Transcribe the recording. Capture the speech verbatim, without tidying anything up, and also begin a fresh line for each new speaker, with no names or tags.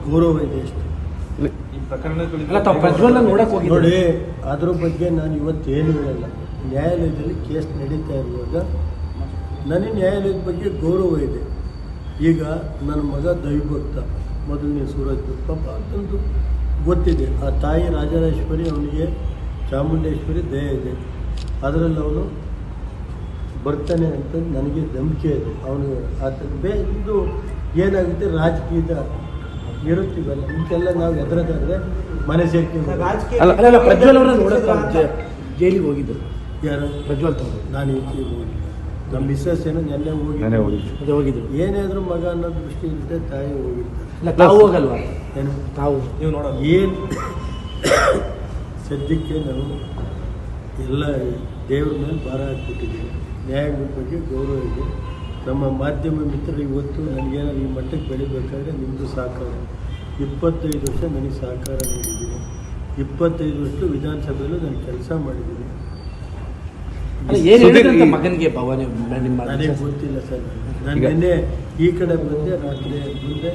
ಗೌರವ ಇದೆ ಅಷ್ಟು. ನೋಡಿ, ಅದ್ರ ಬಗ್ಗೆ ನಾನು ಇವತ್ತೇನು ಹೇಳಲ್ಲ. ನ್ಯಾಯಾಲಯದಲ್ಲಿ ಕೇಸ್ ನಡೀತಾ ಇರುವಾಗ ನನಗೆ ನ್ಯಾಯಾಲಯದ ಬಗ್ಗೆ ಗೌರವ ಇದೆ. ಈಗ ನನ್ನ ಮಗ ದೈವಭಕ್ತ, ಮೊದಲನೇ ಸೂರಜ್ ಪಾಪ ಅಂತಂದು ಗೊತ್ತಿದೆ. ಆ ತಾಯಿ ರಾಜರಾಜೇಶ್ವರಿ, ಅವನಿಗೆ ಚಾಮುಂಡೇಶ್ವರಿ ದಯ ಇದೆ. ಅದರಲ್ಲಿ ಅವನು ಬರ್ತಾನೆ ಅಂತ ನನಗೆ ನಂಬಿಕೆ ಇದೆ. ಅವನು ಆತ ಬೇ ಇದು ಏನಾಗುತ್ತೆ, ರಾಜಕೀಯದ ಇರುತ್ತೀವಲ್ಲ, ಇಂತೆಲ್ಲ ನಾವು ಎದುರದಾದ್ರೆ ಮನೆ ಸೇರ್ಕೊಂಡು
ಪ್ರಜ್ವಲ್ ಅವರ ನೋಡೋಕೆ ಜೈಲಿಗೆ ಹೋಗಿದ್ದರು.
ಯಾರು?
ಪ್ರಜ್ವಲ್ ತಗೊಂಡು
ನಾನು ಈಚೆಗೆ ಹೋಗಿ ನಮ್ಮ ಮಿಸ್ಸಸ್ ಏನೋ ನೆನ್ನೆ ಹೋಗಿ
ಅದೇ ಹೋಗಿದ್ರು.
ಏನೇ ಆದರೂ ಮಗ ಅನ್ನೋ ದೃಷ್ಟಿ ಇರುತ್ತೆ, ತಾಯಿ ಹೋಗಿರ್ತಾರೆ.
ತಾವು ಹೋಗಲ್ವಾ?
ಏನು
ತಾವು
ನೀವು ನೋಡೋದು ಏನು ಸದ್ಯಕ್ಕೆ ನಾವು ಎಲ್ಲ ದೇವ್ರ ಮೇಲೆ ಭಾರ ಹಾಕ್ಬಿಟ್ಟಿದ್ದೀವಿ. ನ್ಯಾಯಗಳ ಬಗ್ಗೆ ಗೌರವ ಇದೆ. ನಮ್ಮ ಮಾಧ್ಯಮ ಮಿತ್ರರು ಇವತ್ತು ನನಗೇನಾದ್ರು ಈ ಮಟ್ಟಕ್ಕೆ ಬೆಳಿಬೇಕಾದ್ರೆ ನಿಮ್ಮದು ಸಹಕಾರ. ಇಪ್ಪತ್ತೈದು ವರ್ಷ ನನಗೆ ಸಹಕಾರ ನೀಡಿದ್ದೀನಿ. ಇಪ್ಪತ್ತೈದು ವರ್ಷ ವಿಧಾನಸಭೆಯಲ್ಲೂ ನಾನು ಕೆಲಸ ಮಾಡಿದ್ದೀನಿ.
ಮಗನಿಗೆ ಭವಾನಿ
ನನಗೆ ಗೊತ್ತಿಲ್ಲ ಸರ್. ನಾನು ನಿನ್ನೆ ಈ ಕಡೆ ಬಂದೆ, ರಾತ್ರಿ ಮುಂದೆ